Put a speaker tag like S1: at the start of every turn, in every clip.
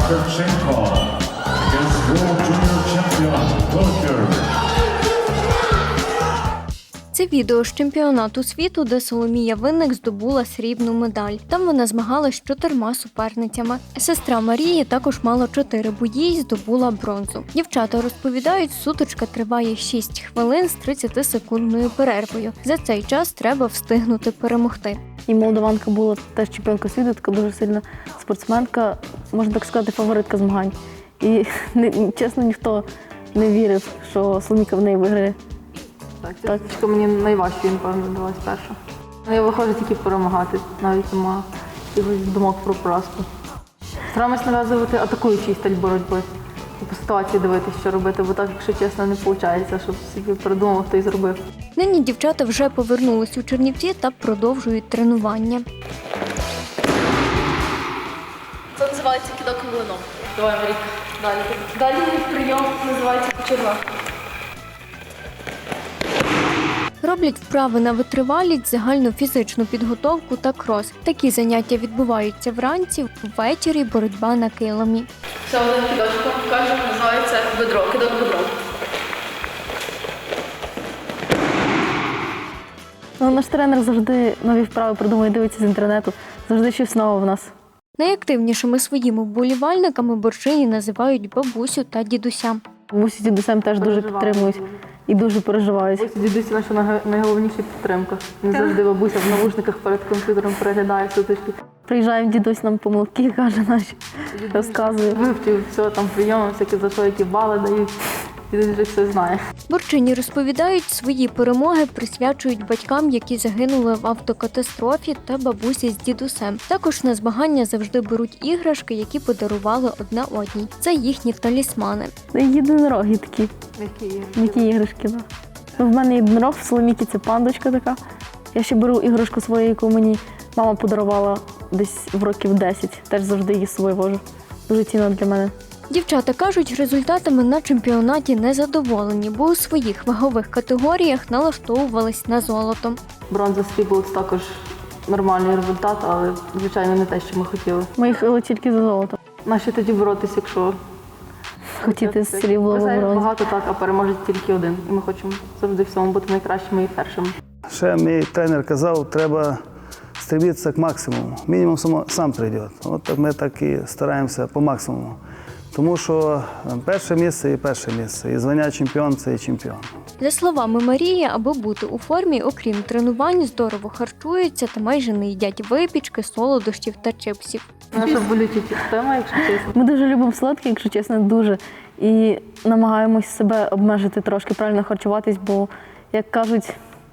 S1: Karpchenko against World Junior Champion Volker.
S2: Це відео з чемпіонату світу, де Соломія Винник здобула срібну медаль. Там вона змагалась з 4 суперницями. Сестра Марії також мала 4 бої і здобула бронзу. Дівчата розповідають, сутичка триває 6 хвилин з 30-секундною перервою. За цей час треба встигнути перемогти.
S3: І молдаванка була теж чемпіонка світу, така дуже сильна спортсменка, можна так сказати, фаворитка змагань. І чесно, ніхто не вірив, що Соломійка в неї виграє.
S4: Так. Мені найважче, напевно, далась перша. Я виходжу тільки перемагати, навіть нема якихось думок про поразку. Стараємось нав'язувати атакуючий стиль боротьби. І по ситуації дивитися, що робити, бо так, якщо чесно, не виходить, щоб собі придумав, хто й зробив.
S2: Нині дівчата вже повернулись у Чернівці та продовжують тренування.
S4: Це називається кидок млином. Давай, Марік, далі. Далі прийом називається кочерга.
S2: Роблять вправи на витривалість, загальну фізичну підготовку та крос. Такі заняття відбуваються вранці, ввечері боротьба на килимі.
S4: Ще один кидочок, кажемо, називається бедро, кидок бедро.
S3: Наш тренер завжди нові вправи придумує, дивиться з інтернету, завжди щось нове в нас.
S2: Найактивнішими своїми вболівальниками борчині називають бабусю та дідуся.
S3: Бабусі з дідусем теж дуже підтримують і дуже переживають.
S4: Дідусь наша найголовніша підтримка. Він завжди бабуся в навушниках перед комп'ютером переглядає сутички.
S3: Приїжджає дідусь, нам помилки, каже наші, розказує.
S4: Вивчив все, там прийоми, всякі за що, які бали дають. Дідусь вже все знає.
S2: Борчині розповідають, свої перемоги присвячують батькам, які загинули в автокатастрофі, та бабусі з дідусем. Також на змагання завжди беруть іграшки, які подарували одна одній. Це їхні талісмани.
S3: Єдинороги такі. Які іграшки, так. В мене єдинорог, в Соломійки це пандочка така. Я ще беру іграшку свою, яку мені мама подарувала десь в років 10. Теж завжди її з собою вожу. Дуже цінно для мене.
S2: Дівчата кажуть, результатами на чемпіонаті незадоволені, бо у своїх вагових категоріях налаштовувались на золото.
S4: Бронза, срібло – це також нормальний результат, але, звичайно, не те, що ми хотіли.
S3: Ми їхали тільки за золото.
S4: Наші тоді боротися, якщо
S3: Хотіти срібло або бронзу.
S4: багато, так, а переможе тільки один. І ми хочемо завжди в всьому бути найкращими і першими.
S5: Ще мій тренер казав, треба стремитися к максимуму. Мінімум сам прийде. От так ми так і стараємося по максимуму. Тому що перше місце і перше місце. І звання чемпіон – це і чемпіон.
S2: За словами Марії, аби бути у формі, окрім тренувань, здорово харчуються та майже не їдять випічки, солодощів та чипсів.
S4: Наша болюча тема, якщо чесно.
S3: Ми дуже любимо сладкі, якщо чесно, дуже. І намагаємось себе обмежити трошки, правильно харчуватись, бо, як кажуть,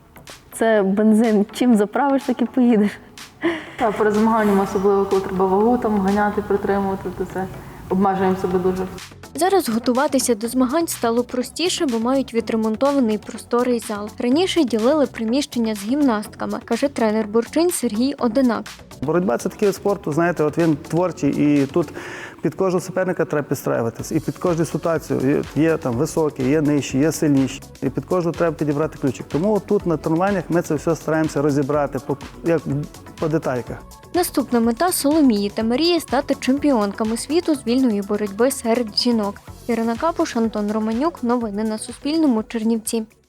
S3: це бензин. Чим заправиш, так і поїдеш.
S4: Так, перед змаганнями, особливо, коли треба вагу там ганяти, притримувати, то це обмежуємо себе дуже.
S2: Зараз готуватися до змагань стало простіше, бо мають відремонтований просторий зал. Раніше ділили приміщення з гімнастками, каже тренер борчинь Сергій Одинак.
S5: Боротьба – це такий вид спорту, знаєте, от він творчий, і тут під кожного суперника треба підстраюватися. І під кожну ситуацію є там високі, є нижчі, є сильніші. І під кожну треба підібрати ключик. Тому тут на тренуваннях ми це все стараємося розібрати по детальках.
S2: Наступна мета Соломії та Марії – стати чемпіонками світу з вільної боротьби серед жінок. Ірина Капуш, Антон Романюк. Новини на Суспільному. Чернівці.